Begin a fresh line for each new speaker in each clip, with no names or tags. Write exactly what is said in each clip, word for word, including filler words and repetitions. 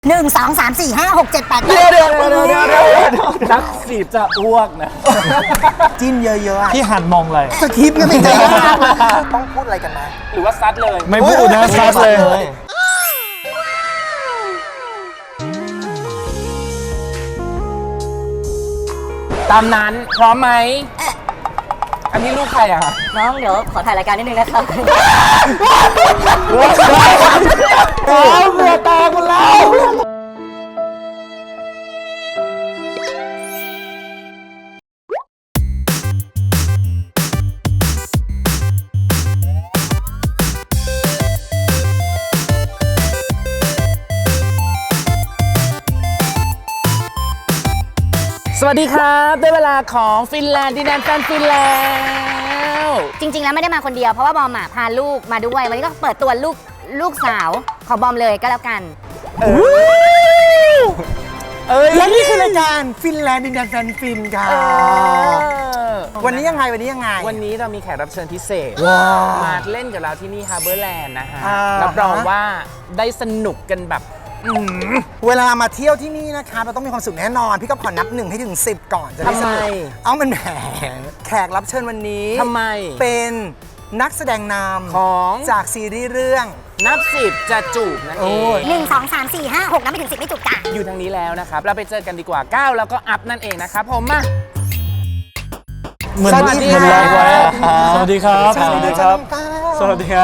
หนึ่งสองสามสี่ห้าหกเจ็ดแปด
เดี๋ยวเดี๋ยวเดี๋ยวเดี๋ยวเดี๋ยวนักสีบจะอ้วกนะ
จิ้นเยอะๆ
พี่หันมองอะไร
สคริปต์ก็ไม่ใจต้องพูดอะไรกันนะ
หรือว่าซัดเลย
ไม่พูดนะซัดเลย
ตามนั้นพร้อมไหม อันนี้ลูกใครอ่ะ
น้องเดี๋ยวขอถ่ายรายการนิดนึงนะครับ
เอาเบื่อตาคุณแล้ว สวัสดีครับได้เวลาของฟินแลนด์ดินแดนแฟนฟินแลนด์
จริงๆแล้วไม่ได้มาคนเดียวเพราะว่าบอมอ่ะพาลูกมาด้วยวันนี้ก็เปิดตัวลูกลูกสาวของบอมเลยก็แล้วกัน
เอ้ย
และนี่คือรายการฟินแลนด์ดินแดนแฟนฟินค่ะ
เออ
วันนี้ยังไงวันนี้ยังไง
วันนี้เรามีแขกรับเชิญพิเศษ
ว้าว
มาเล่นกับเราที่นี่ฮาร์เบอร์แลนด์นะฮะ
อ่า
รับรองว่าได้สนุกกันแบบอื้อหือ
เวลามาเที่ยวที่นี่นะคะเราต้องมีความสุขแน่นอน พี่ก็ขอนับหนึ่งให้ถึงสิบก่อนจะได้สนุก
ทำไม
เอามันแหมแขกรับเชิญวันนี้
ทำไม
เป็นนักแสดงน
ของ
ำจากซีรีส์เรื่อง
นับสิบจะจูบนั่นเอ
โอ้
ง
ย
หนึ่งสองสามสี่ห้าหกนับไปถึงสิบไม่จุกจ้ะ
อยู่ทางนี้แล้วนะครับ เราไปเจอกันดีกว่าก้าวแล้วก็อัพนั่นเองนะครับผมมา
เหมือน
สวัสดี
เหมือน
ค่ะ
เราไว้อะสวัสดีครับ
สวัสดีครับ
สวัสดีครับ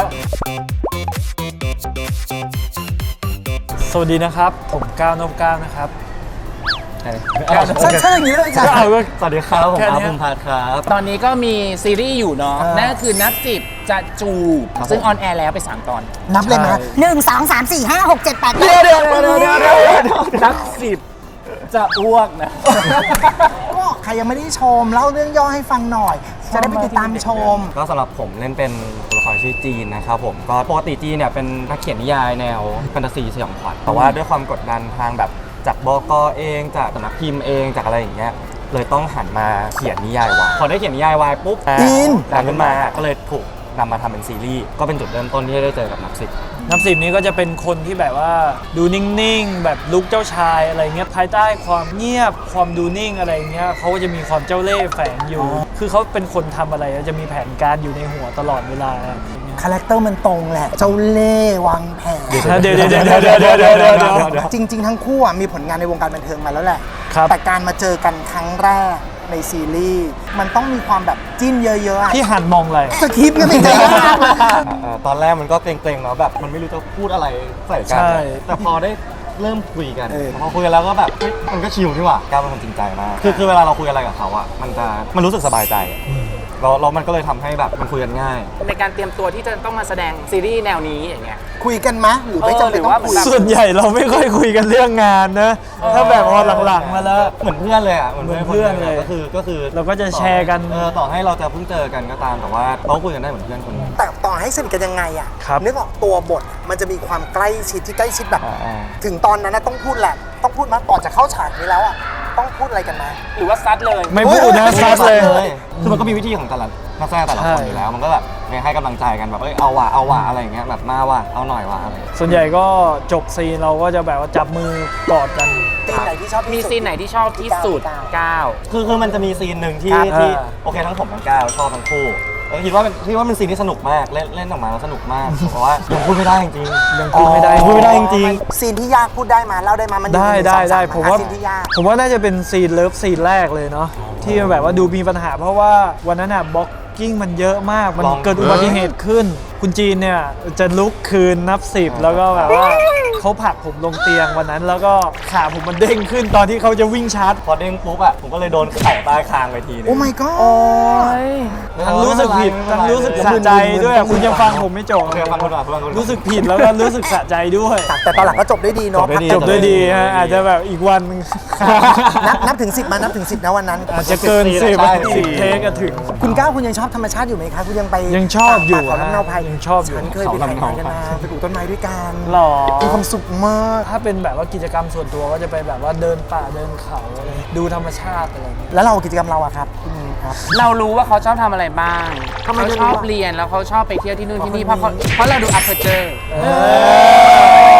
สวัสดีนะครับ ผมก้าวนพก้าวนะครับ
ก้าว
ใช่ใช่อย่างนี้เลยจ้ะ
ก็เอาก็
สวัสดีครับผม
แค่
อา
นี้
ภูมิพัฒน์ครับ
ตอนนี้ก็มีซีรีส์อยู่เนาะ
อ่านั่
นั่นก็คือนับสิบจะจูบ
ครับ
ซึ่งออนแอร์แล้วไปสามตอน
นับเลยมา
หนึ่งสองสามสี่ห้าหกเจ็ดแปด
เดี๋ยวเดี๋ยวเดี๋ยวเดี๋ยวเดี๋ยวนับสิบจะอ้วกนะ
ก็ใครยังไม่ได้ชมเล่าเรื่องย่อให้ฟังหน่อย จะได้ไปติดตามชม
ก็สำหรับผมเล่นเป็นตัวละครชื่อจีนนะครับผมก็ปกติจีนเนี่ยเป็นนักเขียนนิยายแนวแฟนตาซีสยองขวัญแต่ว่าด้วยความกดดันทางแบบจากบกเองจากสำนักพิมพ์เองจากอะไรอย่างเงี้ยเลยต้องหันมาเขียนนิยายวายพอได้เขียนนิยายวายปุ๊บ
อิน
ดังขึ้นมาก็เลยถูกนำมาทำเป็นซีรีส์ก็เป็นจุดเริ่มต้นที่ได้เจอกับนักสิบ
น้ำสิบนี้ก็จะเป็นคนที่แบบว่าดูนิ่งๆ แบบลุกเจ้าชายอะไรเงี้ยภายใต้ความเงียบความดูนิ่งอะไรเงี้ยเขาก็จะมีความเจ้าเล่ห์แฝงอยู่ คือเขาเป็นคนทำอะไรจะมีแผนการอยู่ในหัวตลอดเวลา
คาแรคเตอร์มันตรงแหละ เจ้าเล่ห์วางแผน
เดี๋ยวเดี๋ยวเดี๋ยวเดี๋ยวเดี๋ยวเดี๋ยวเดี๋ยวเดี๋ยวเดี๋ยว
จริง ๆ ทั้งคู่อะมีผลงานในวงการบันเทิงมาแล้วแหละ
ครับ
แต่การมาเจอกันครั้งแรกในซีรีส์มันต้องมีความแบบจิ้นเยอะๆอะ
พี่หันมองอะไร
สคริปต์ก็ไม่ใจ
เอ่อตอนแรกมันก็เกรงๆเนาะแบบมันไม่รู้จะพูดอะไรใส่กั
ใช่
แต่พอได้เริ่มคุยกันพอคุยกันแล้วก็แบบเฮ้ยมันก็ชิลนี่หว่าก้าวเป็นคนจริงใจมากคือคือเวลาเราคุยอะไรกับเขาอ่ะมันจะมันรู้สึกสบายใจอะแล้วแล้วมันก็เลยทำให้แบบมันคุยกันง่าย
ในการเตรียมตัวที่จะต้องมาแสดงซีรีส์แนวนี้อย่างเงี้ย
คุยกันมะหรือไม่จำเป็น
เออหรือว่า
ต้องคุย
แบบ
ส่วนใหญ่เราไม่ค่อยคุยกันเรื่องงานนะ ถ้าแบบพอหลังๆมาแล้ว
เหมือนเพื่อนเลยอ่ะ
เหมือนเพื่อนเลย
ก็คือก็คือ
เราก็จะแชร์กัน
เออต่อให้เราจะเพิ่งเจอกันก็ตามแต่ว่าเราคุยกันได้เหมือนเพื่อนคนหนึง
แต่ต่อให้สนิทกันยังไงอะ
ครับ
นึกออกตัวบทมันจะมีความใกล้ชิดที่ใกล้ชิดแบบ
อ่า
ถึงตอนนั้นนะต้องพูดแหละ ต้องพูดมาก่อนจะเข้าฉากนี้แล้วอะต้องพูดอะไรกันมา
หรือว่าซัดเลย
ไม่พูดนะ
โอ้ย
ซัดเลย
คือมันก็มีวิธีของแต่ละนักแสดงแต่ละคน
ใช่
อยู่แล้ว มันก็แบบให้กำลังใจกันแบบเอ้ยเอาว่ะเอาว่ะอะไรอย่างเงี้ยแบบมาว่ะเอาหน่อยว่ะอะไรอย่างเงี้ย
ส่วนใหญ่ก็จบซีนเราก็จะแบบว่าจับมือกอดกัน
ซีนไหนที่ชอบที่
มี
สุด
ซีนไหนที่ชอบที่สุดก้าว
คือคือมันจะมีซีนหนึ่งที่
ครับ
ที่
อ่า
โอเคทั้งผมทั้งก้าวชอบทั้งคู่แล้วคิดว่าเป็นคิดว่าเป็นซีนที่สนุกมากเล่นเล่นออกมาแล้วสนุกมาก เพราะว่ายังพูดไม่ได้จริงๆ
ยังพูดไม่ได้
ยังพูดไม่ได้จริง
ซีนที่ยากพูดได้มาเล่าได้มามันอยู่
ได้
ใน
ได้
สอง
ได้
ส
ผมว่า
ซีนที่ยาก
ผมว่าน่าจะเป็นซีนเลิฟซีนแรกเลยเนาะที่แบบว่าดูมีปัญหา เพราะว่าวันนั้นอะบล็อกกิ้งมันเยอะมาก มัน
ลอง
เกิดอุบัติเหตุขึ้น คุณจีนเนี่ยจะลุกคืนนับสิบแล้วก็แบบว่าเขาผลักผมลงเตียงวันนั้น แล้วก็ขาผมมันเด้งขึ้นตอนที่เขาจะวิ่งชาร์จ
พอเด้งปุ๊บอ่ะผมก็เลยโดนไข่ใต้คางไปทีนึง
โอ้ my god
ทั้งรู้สึกผิดทั้งรู้สึกสะใจด้วยอะคุณยังฟังผมไม่จบ
โอเคฟังคนก่อนฟังคนก่อน
รู้สึกผิดแล้วก็รู้สึกสะใจด้วย
แต่ตอนหลังก็จบได้ดีเนาะ
จบได้ดี
จบด้วยดีฮะอาจจะแบบอีกวันหนึ่ง
นับนับถึงสิบมานับถึงสิบนะวันนั้น
อาจจะเกินสิบ
ใช่
สิบเทคก็ถึง
คุณก้าวคุณยังชอบธรรมชาติอยู่ไหมคะคุณยังไป
ยังชอบอยู่
ป่าเขาลำเนาไพร
ยังชอบอยู่
ฉันเคยไปถ่ายงานกันมาไปปลูกต้นไม้ด้วยกัน
หรอ
มีความสุขมาก
ถ้าเป็นแบบว่ากิจกรรมส่วนตัวก็จะไปแบบว่าเดินป่าเดินเขาอะไรดูธรรมชาติอะไรอย่างเงี้ย
แล้วเรากิจกรรมเราอะครับคุณครับ
เรารู้ว่าเขาชอบทำอะไรบ้าง
ทำไม
เขา
ไม่
ช
รู้
อบ
อะ
เรียนแล้วเขาชอบไปเที่ยวที่นู่นที่นี่เพ
เพ
ราะ
ราะ
เขา
คนนี้
เพราะเราดูอัพเ r อร์เจอร์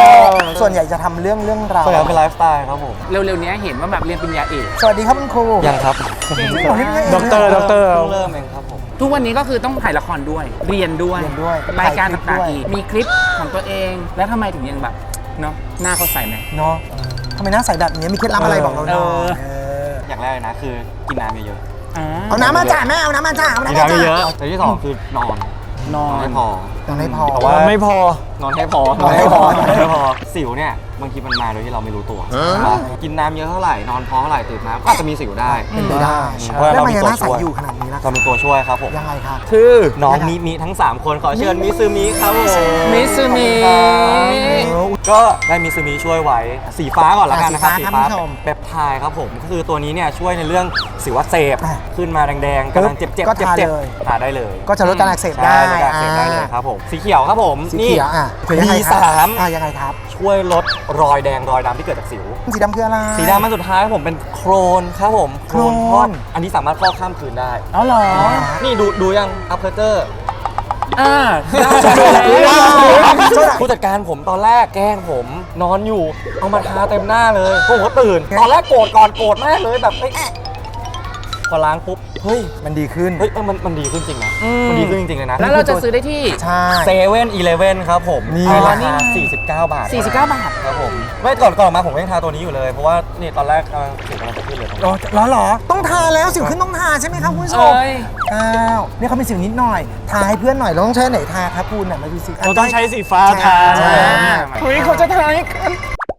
ส่วนใหญ่จะทำเรื่องเรื่องราว
ส่วนใหญ่เป็นไลฟ์สไตล์ครับผม
เร็วๆนี้เห็นว่าแบบเรียนปริญญาเอก
สวัสดีครับคุณครู
ยังครับ
จริงเหรอนี่ไม่ใช่
ด็อกเตอร์ด็อกเตอร์
เพิ่งเริ่มเองครับผม
ทุกวันนี้ก็คือต้องถ่ายละครด้วย เรียนด้วย
เรียนด้วย
รายการ
ถ่ายคลิป
ต่าง
ด้วย
ๆอีกมีคลิปของตัวเอง แล้วทำไมถึงยังแบบเนาะหน้าเขาใสไหม
เนาะทำไมหน้าใสแบบนี้มีเคล็ดลับอะไรบอกเราหน่อย
เออ
เออ
อย่างแรกเลยนะคือกินน้ำเยอะ
อ่า
เอาน้ำมาจ่าแม่เอาน้ำมาจ่าเอา
ๆ
น้ำ
กิน
มา
น้ำ
จ่า
เยอะๆแต่ที่สองคือนอน
นอน
ไม่พอ
ยังไม่พอ
แต่ว่า
ไม่พอ
นอนให้พอน
อนให้พอน
อนให้พอสิวเนี่ยบางทีมันมาโดยที่เราไม่รู้ตัวใช่ปะกินน้ำเยอะเท่าไหร่นอนพอเท่าไหร่ตื่นมาก็อาจจะมีสิวได้
เป็นไปได้
เพราะ
แล้ว
เรา
มัน
มี
ยัง
ตัว
หน้าใส
ช่วย
อยู่ขนาดนี้นะ
เรามีตัวช่วยครับผม
ยังไงครับ
คือน้องมิมิทั้งสามคนขอเชิญมิซูมิครับผม
มิซูมิ
ก็ได้มิซูมิช่วยไว้สีฟ้าก่อนละกันนะครับ
อ่าสีฟ้าครับคุณผู้ชม
เปปไทด์ครับผมก็คือตัวนี้เนี่ยช่วยในเรื่องสิวอักเสบ
อ่ะ
ขึ้นมาแดงๆกำลังเจ็บๆเจ็บ
ก็ทา
เจ็บ
เลย
ทาได้เลย
ก็จะลดการอักเสบ
ใช่
ได้
ลดการอักเสบได้เลยครับผมสีเขียวครับผม
สี
นี่
เขียวอ่ะคือยังไง
ดี
ครับ
สาม
อ่ะยังไงครับ
ช่วยลดรอยแดงรอยดำที่เกิดจากสิว
สีดำคืออะไร
สีดำมันสุดท้ายครับผมเป็นโครนครับผม
โครน
พอกอันนี้สามารถฟอกข้ามคืนได้
เอาเหรอ
นี่ดูดูยังอัพเพอร์เจอร์
อ่าได้
ผู้จัดการผมตอนแรกแกล้งผมนอนอยู่ เอามาทาเต็มหน้าเลยผมก็ตื่น ตอนแรกโกรธก่อนโกรธมากเลยแบบเฮ้ยพอล้างปุ๊บเฮ้ย
มันดีขึ้น
เฮ้ยเออมันมันดีขึ้นจริงนะมันดีขึ้นจริงๆเลยนะ
แล้วเราจะซื้อได้ที่
ใช่
เซเว่นอีเลฟเว่นครับผม
นี่
ในรา
นี่
คา
ไง
สี่สิบเก้าบาท
สี่สิบเก้าบาท
ครับผมไม่ก่อนก่อนมาผมก็ยังทาตัวนี้อยู่เลย เพราะว่านี่ตอนแรกกำลังถูกกำลังจะขึ้นเลย
เหรอเหรอเหรอต้องทาแล้วสิวขึ้นต้องทาใช่ไหมครับคุณผู้ชม
เอ้ย
อ้าวนี่เขามีสิวนิดหน่อย ทาให้เพื่อนหน่อยเราต้องใช้ไหนทาครับคุณน่ะมาดูสิ
เราต้องใช้สีฟ้าทา
ใช่
เฮ้ยเขาจะทายกัน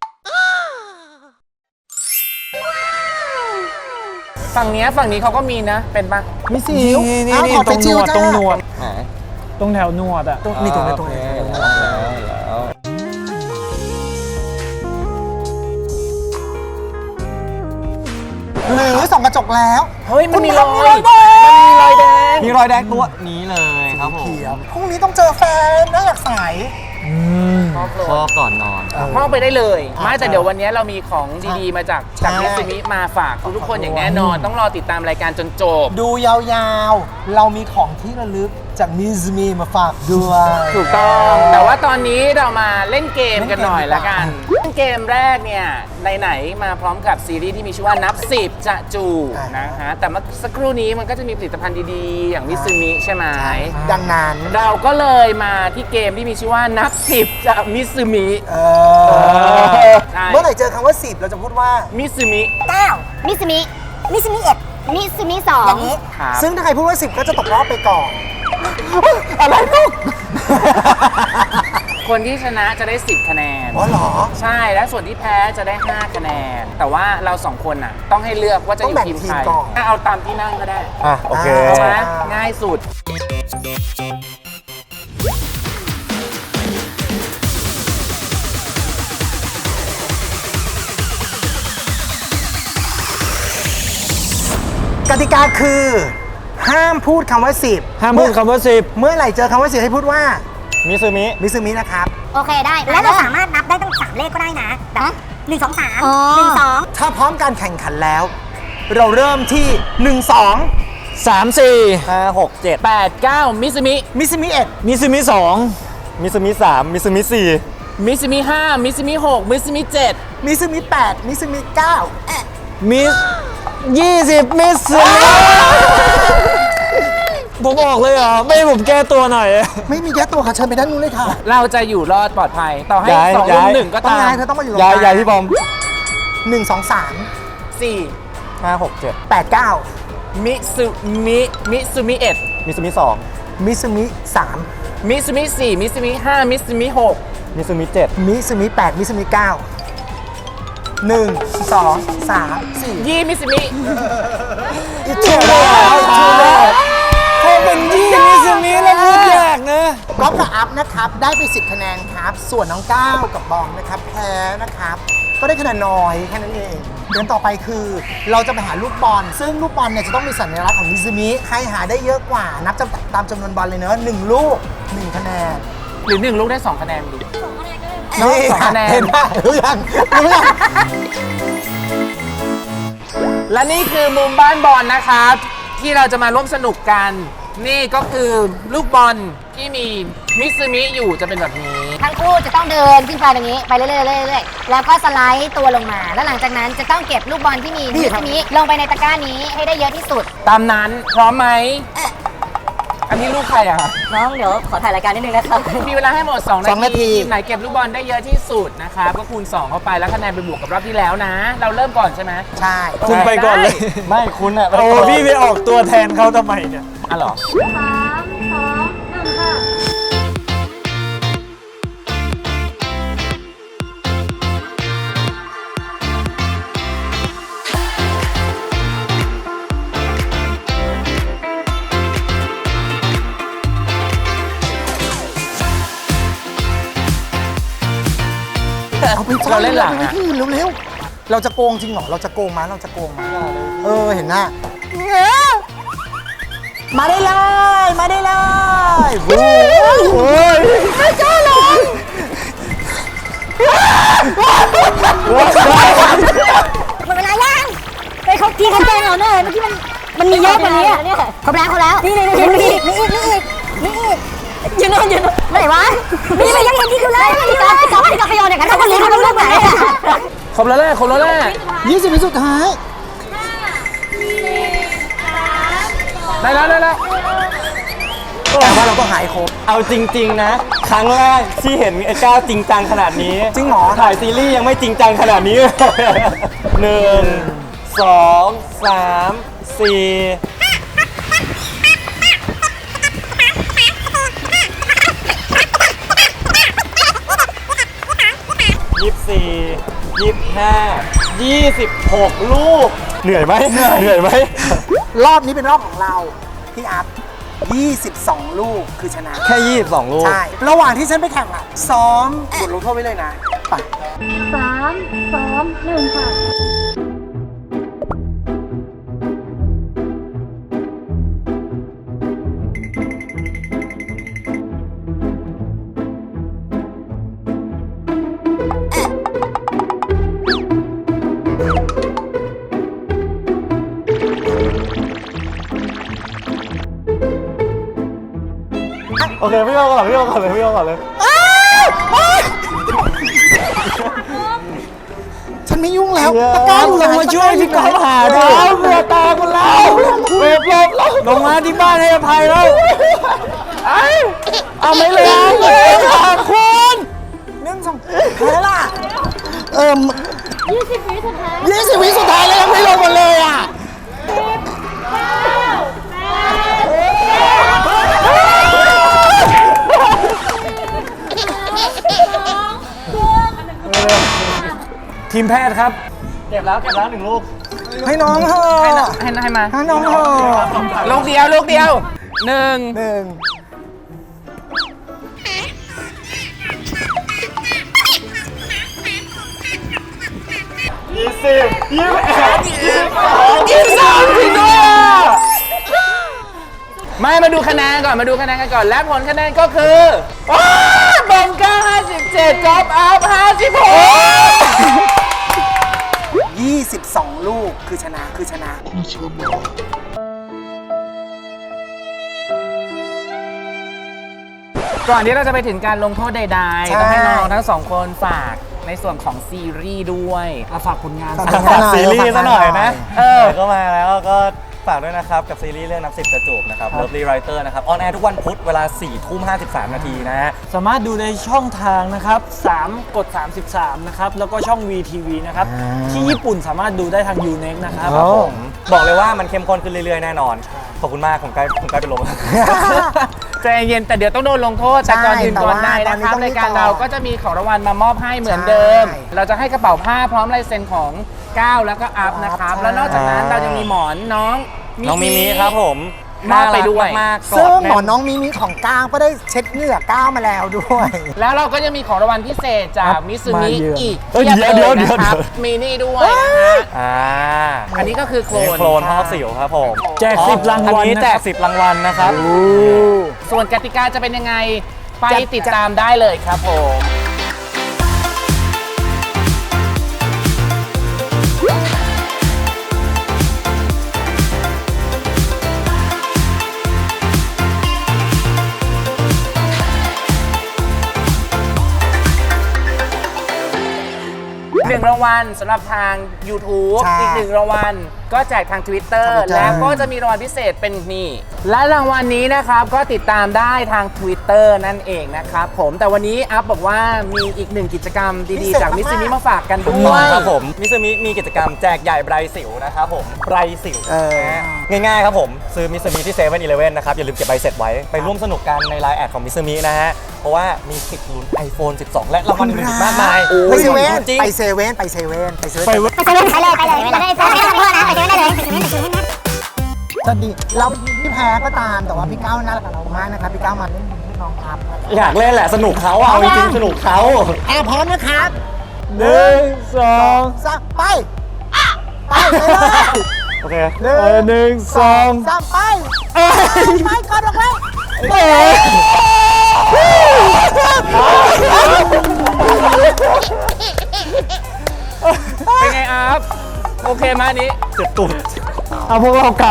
ฝั่งเนี้ยฝั่งนี้เขาก็มีนะ เป็นปะ
มีสิ
นี่
ว
นี่
อ้าว
นี่
ถอด
ตรงหนวด
จ้า
ตรงหนวด
ไหน
ตรงแถวหนวดอ่ะ
ตรงนี่ตรงนี้ตรงนี้
โอเคแล้ว
หรือส่องกระจกแล้ว
เฮ้ยมันมีรอย
คุณทำมีรอยแดง
มันมีรอยแดง
มีรอยแดงตัวนี้เลยครับผม
เขียวพรุ่งนี้ต้องเจอแฟนน่าอยากใส
ข้อก่อนนอน
ห้องไปได้เลย ไม่แต่
ใช่
เดี๋ยววันนี้เรามีของดีๆ มาจากจาก
ใช่
มิสมิมาฝากทุกๆคนอย่างแน่นอน ต้องรอติดตามรายการจนจบ
ดูยาวๆ เรามีของที่ระลึกจากมิซมีมาฝากด้วย
ถูกต้อง แต่ว่าตอนนี้เรามาเล่นเกมกันหน่อยละกัน
เล่นเกม
เล่นเกมแรกเนี่ยไหนๆมาพร้อมกับซีรีส์ที่มีชื่อว่านับสิบจะจู
อ่ะ
นะฮะ แต่เมื่อสักครู่นี้มันก็จะมีผลิตภัณฑ์ดีๆ อย่างมิสมิใช่ไหม
ดังนั้น
เราก็เลยมาที่เกมที่มีชื่อว่านับสิบจะมิสมิ
เอ
อ
อ
ใช่
เมื่อไหร่เจอคำว่าสิบเราจะพูดว่า
มิสมิ
เก้ามิสมิมิสมิเอ็ดมิสมิสองอย่างนี้
ครับ
ซึ่งถ้าใครพูดว่าสิบก็จะตกรอบไปก่อน อะไรลูก
คนที่ชนะจะได้สิบคะแนน
อ๋อเหรอ
ใช่ และส่วนที่แพ้จะได้ห้าคะแนน แต่ว่าเราสองคนน่ะ ต้องให้เลือกว่าจะอยู่ทีมใครถ้าเอาตามที่นั่งก็ได้
อ่ะโอเค
เอาไหมง่ายสุด
กติกาคือ ห้ามพูดคำว่าสิบ
ห้ามพูดคำว่าสิบ
เมื่อไหร่เจอคำว่าสิบให้พูดว่า
มิซูมิ
มิซึมินะครับ
โอเคได้
แล้วเราสามารถนับได้ตั้งสามเลขก็ได้นะแบบหนึ่งสองสาม
อ๋อ
หนึ่งสอง
ถ้าพร้อมการแข่งขันแล้ว เราเริ่มที่หนึ่ง สอง
สามสี่
ห้าหกเจ็ด
แปด เก้า มิสมิ
มิซึมิเอ็ด
มิซูมิสอง
มิซูมิสามมิซูมิสี่
มิสมิห้า มิสมิหก มิสมิเจ็ด
มิซึมิแปดมิซึมิเก้า
มิสยี่สิบมิสซูมิผมออกเลยเหรอ ไม่ให้ผมแก้ตัวหน่อย
ไม่มีแก้ตัวค่ะเชิญไปด้านนู้นเลยค่ะ
เราจะอยู่รอดปลอดภัย ต่อให้
ย้าย
สอง
ย้า
รุ่
ย
มหนึ่งก็
ต้อง
ตาม
ย้ายเธอต้องมาอยู่ตรง
ยาย
กลาง
ยายพี่บอม
หนึ่งสองสาม
สี่
ห้าหกเจ็ด
แปดเก้า
มิสุมิ มิสุมิเอ็ด
มิซูมิสอง
มิซึมิสาม
มิสุมิสี่ มิสุมิห้า มิสุมิหก
มิซูมิเจ็ด
มิซึมิแปดมิซึมิเก้าหนึ่งสองสามสี่
ยี่มิสุมิ
อีกทูแล้วอีกทูแล้ว
พอเป็นยี่มิซูมิแล้วพูดยากนะ
ก๊อฟกับอัพนะครับได้ไปสิบคะแนนครับ ส่วนน้องก้าวกับบอมนะครับแพ้นะครับ ก็ได้คะแนนน้อยแค่นั้นเองเดือนต่อไปคือ เราจะไปหาลูกบอล ซึ่งลูกบอลเนี่ยจะต้องมีสัญลักษณ์ของมิซึมิใครหาได้เยอะกว่า นับจำตามจำนวนบอลเลยเนอะหนึ่งลูกหนึ่งคะแนน
หรือหนึ่งลูกได้สองคะแนนดี
นี่
สองคะแนน
เห็นไหมรู้ยังรู้ยัง
และนี่คือมุมบ้านบอลนะครับ ที่เราจะมาร่วมสนุกกัน นี่ก็คือลูกบอลที่มีมิสมิอยู่จะเป็นแบบนี้
ทั้งคู่จะต้องเดินขึ้นไปตรงนี้ไปเรื่อยๆเรื่อยๆแล้วก็สไลด์ตัวลงมา แล้วหลังจากนั้นจะต้องเก็บลูกบอลที่มีที่นี้ลงไปในตะกร้านี้ให้ได้เยอะที่สุด
ตามนั้นพร้อมไหมอันนี้ลูกใครอะ
น้องเดี๋ยวขอถ่ายรายการนิดนึงนะครับ
มีเวลาให้หมด 2
สองนา
นา
ที
ทีทีมไหนเก็บลูกบอลได้เยอะที่สุดนะครับก็คูณ สอง เข้าไปแล้วคะแนนไปบวกกับรอบที่แล้วนะ เราเริ่มก่อนใช่ไหม
ใช่
คุณไปก่อนเลย
ไม่คุณอะ
โอ้พี่ไปออกตัวแทนเขาทำไมเนี่ย
อ่ะเหรอ
เอาไป
เราเล่นหลังอะ
ที่เร็วๆเราจะโกงจริงเหรอเราจะโกงมั้ยเราจะโกงมั้ยเออเห็นหน้ามาได้เลยมาได้เลยโอ้ยไม่กล้าลง
หมดเวลายังไปเขาทีเขาแจ้งเราเนอะเมื่อกี้มันมันมีเยอะกว่านี้อะเนี่ย
ครบแล้วครบแล้ว
นี่นี่นี่นี่นี่นี่นี่นี่ยืนโน่นยืนโน่นไหนวะนี่ไม่ยังเห็นที่ดูเลยพี่กอล์ฟพี่กอล์ฟพี่กอล์ฟพยอนอย่างนั้นเขาก็รู้เขารู้เรื่องไหน
ครบแล้วแหละครบแล้วแหละ
ยี่สิบวิสุดท้าย
ได้แล้วได้แล้ว
แต่ว่าเราก็หายครบ
เอาจริง ๆ นะ ครั้งแรกที่เห็นไอ้ก้าวจริงจังขนาดนี้
จริงเหรอ
ถ่ายซีรีส์ยังไม่จริงจังขนาดนี้ หนึ่งสองสามสี่ยี่สิบสี่ยี่สิบห้ายี่สิบหกลูก เหนื่อยไหมเหนื่อยไหม
รอบนี้เป็นรอบของเราพี่อัพยี่สิบสองลูกคือชนะ
แค่ยี่สิบสองลูก
ใช่ ระหว่างที่ฉันไปแข่งอ่ะ ซ้อมบทลงโทษไว้เลยนะไป
สามสองหนึ่งค่ะ
โอเค พี่โอก่อนพี่โอก่อนเลยพี่โอก่อนเลย
ฉันไม่ยุ่งแล้ว
เย้
ตะกร้าอยู่ไหน
ลงมาช่วยพี่กอล์ฟหาด้วย
เบื่อตาคนแล้วเว็บลบแล้ว
ลงมาที่บ้านให้อภัยแล้ว
เอาไม่เลยขอบคุณหนึ่งสองแพ้ล่ะ เอิ่มยี่สิบวิสุดท้ายยี่สิบวิสุดท้ายแล้วยังไม่ลงมาเลยอ่ะ
ทีมแพทย์ครับ
เก็บแล้วเก็บแล้วหนึ่งลูก
ให้น้องเถอะ
ให้นะให้นะให้มา
ให้น้องเถอะ
ลูกเดียวลูกเดียวหนึ่ง
หนึ่ง
ยี่สิบยี่สิบเอ็ดยี่สิบสอง
ยี่สิบสามจริงด้วยอ่ะไม่มาดูคะแนนก่อนมาดูคะแนนกันก่อนและผลคะแนนก็คือว้าวบอมก้าห้าสิบเจ็ดกอล์ฟอัพห้าสิบหก
ยี่สิบสองลูกคือชนะคือชนะ
ก่อนที่เราจะไปถึงการลงโทษใด
ใช่
ๆต้องให้น้องทั้งสองคนฝากในส่วนของซีรีส์ด้วยอ่ะฝากผลงาน
ฝาก
สัก
ผลงาน
ซีรีส์ซะหน่อยนะ
เออ
ก็มาแล้วก็ฝากด้วยนะครับ กับซีรีส์เรื่องนับสิบกระจูบนะครับ Lovely Writer นะครับ ออนแอร์ทุกวันพุธเวลาสี่ทุ่มห้าสิบสามนาทีนะฮะ
สามารถดูในช่องทางนะครับสามกดสามสิบสามนะครับ แล้วก็ช่อง วี ที วี นะครับ ที่ญี่ปุ่นสามารถดูได้ทาง ยู เน็ก นะครับ
ครับผมบอกเลยว่ามันเข้มข้นขึ้นเรื่อยๆ แน่นอน ขอบคุณมากผมใกล้ผมใกล้เป็นลม
ใจเย็นแต่เดี๋ยวต้องโดนลงโทษแต่ก่อนอื่นก่อนใดนะค
แต่
รับ
ว่าตอนนี้ต้อง
รายการ
ต่อ
เราก็จะมีของรางวัลมามอบให้เหมือนเดิม
ใช่
เราจะให้กระเป๋าผ้าพร้อมลายเซ็นของก้าวแล้วก็อัพนะครับ
ใช่
แล้วนอกจากนั้นเราจะมีหมอนน้อง
น้องมิมิครับผม
มอบไปด้วย
น่ารักมากๆก
ซึ่
อง ด
หมอน้องมิมิของก้าวก็ได้เช็ดเหงื่อก้าวมาแล้วด้วย
แล้วเราก็จะมีของรางวัลพิเศษจากมิซูมิ
มาเยือน
อีก
เอ้ย
พีบ
เดี๋ยว
ล
เดี๋ยว
นะครับ
เดี๋ยว
มีนี่ด้วยนะฮะ
อ่า
อันนี้ก็คือโคลน
โคลนพอกสิวครับผม
แจกสิบรางวัล
อันนี้
นะ
แจ
ค
ก
รับ
สิบรางวัลนะครับ
ส่วนกติกาจะเป็นยังไงไปติดตามได้เลยครับผมางวัลสำหรับทาง YouTube
ใช่
อีกหนึ่งรางวัลก็แจกทาง Twitter
ทาง Twitter
แล้วก็จะมีรางวัลพิเศษเป็นนี่และรางวัลนี้นะครับก็ติดตามได้ทาง Twitter นั่นเองนะครับผมแต่วันนี้อัพบอกว่ามีอีกหนึ่งกิจกรรมดีๆจากมิสซิมิมาฝากกันด้วย
ครับผมมิซูมิมีกิจกรรมแจกใหญ่ไบรสิวนะครับผมไบรสิว
เออ
ง่ายๆครับผม ซื้อมิซูมิที่เซเว่นอีเลฟเว่นนะครับ อย่าลืมเก็บใบเสร็จไว้ ไปร่วมสนุกกันในไลน์แอดของมิซูมินะฮะ เพราะว่ามีสิทธิ์ลุ้น ไอโฟน สิบสอง และรางวัลอื่นๆอีกมากมาย
ไปเซเว่น
จริง
ไปเซเว่นไปเซเว่นไปเซเว่น
ไปเว้ย
ไปเลยไปเลยไปเลยไปเลยไปเลยไปเลยไปเลยไปเลยไปเลย
สวัสดีเราพี่แพ้ก็ตามแต่ว่าพี่ก้าวน่ารักกับเรามากนะครับพี่ก้าวมาเล่นให้น้องครับ
อยากเล่นแหละ สนุกเขาอะเอาจริงๆสนุกเขา
แอร์พร้อมนะครับ
หนึ่งสอง
สามไปไปไปเลย
โอเค
หนึ่
เออง หนึ่งสอง
สามไปไปก่อนออกไป
เอ้ย
เป็นไงอัพโอเคไหมอันนี้
เจ็บตูด
เอาพวกเรากลับ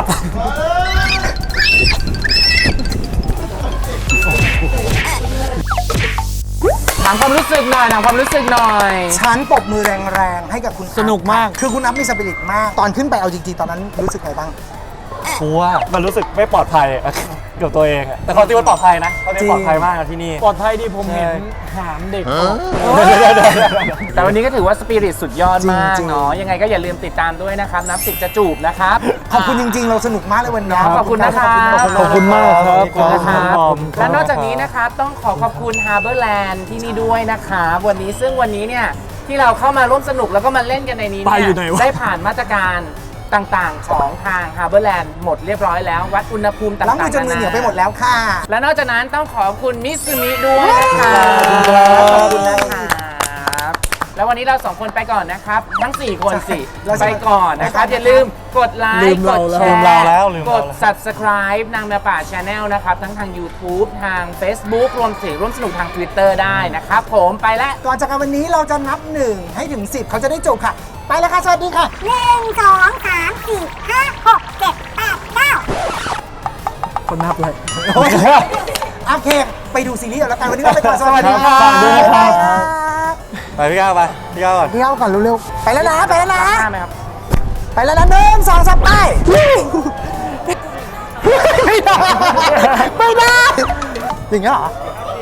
ถามความรู้สึกหน่อยถามความรู้สึกหน่อย
ฉันปรบมือแรงๆให้กับคุณ
สนุกมาก
คือคุณนับมีสปิริตมาก ตอนขึ้นไปเอาจริงๆตอนนั้นรู้สึกไงบ้าง
กลัว มันรู้สึกไม่ปลอดภัยอะกับตัวเองอะแต่ความจริงมันปลอดภัยนะความจริงปลอดภัยมากนะที่นี่
ปลอดภัยดีผมเห็นหามเด็ก
แต่วันนี้ก็ถือว่าสปิริตสุดยอดมาก
จริงๆ
เนาะยังไงก็อย่าลืมติดตามด้วยนะครับ นับสิบจะจูบนะครับ
ขอบคุณจริงๆ เราสนุกมากเลยวันนี้
ขอบคุณนะครับ
ขอบคุณมากครับ
ขอบคุณนะครับ
ขอบคุณครับ
และนอกจากนี้นะครับต้องขอขอบคุณ Harborland ที่นี่ด้วยนะครับวันนี้ซึ่งวันนี้เนี่ยที่เราเข้ามาร่วมสนุกแล้วก็มาเล่นกันในนี้
ไป
เนี่
อยู่ไหนวะ
ได้ผ่านมาตรการต่างๆของทาง Harborland หมดเรียบร้อยแล้ว วัดอุณหภูมิต่างๆ
ล้างมือจนมือเหนียวไปหมดแล้วค่ะ
และนอกจากนั้นต้องขอบคุณมิซูมิด้วยนะครับขอบคุณนะครับแล้ววันนี้เราสองคนไปก่อนนะครับ ทั้ง สี่ คนสิ
เราจะ
ไปก่อนนะครับ อย่าลืมกดไล
ลื
ค์
ม
ก
เรา
ด
แล้ว
แช
ลืม
ร์
เราแล้วลืม
ก
เรา
ด
แล้ว
subscribe นางแมวป่า Channel นะครับ ทั้งทาง YouTube ทาง Facebook รวมถึงร่วมสนุกทาง Twitter ได้นะครับ ผมไปแล้ว
ก่อนจากกันวันนี้เราจะนับหนึ่งให้ถึงสิบเขาจะได้จบค่ะ ไปแล้วค่ะ สวัสดีค่ะ
หนึ่งสองสามสี่ห้าหกเจ็ดแปดเก้า
คนนับเลย
โอเคโอเค ไปดูซีรีส์กันแล้วกันวันนี้เราไปก่อนสวัสดีค่ะ
สวัสดีครับ
ไปพี่ก้าวไปพี่ก้าวก่อน
เที่ยวก่อนเร็วๆ ไปแล้วนะ ไปแล้วนะ
หน้าไหมครับ
ไปแล้วนะหนึ่งสองสามไปไม่ได้ ไม่ได้ อย่างเงี้ยเหรอ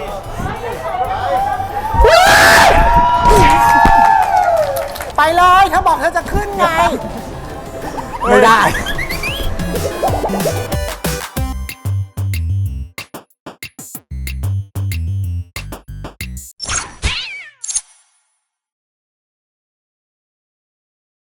ไปเลยเธอบอกเธอจะขึ้นไง
ไม่ได้
ไ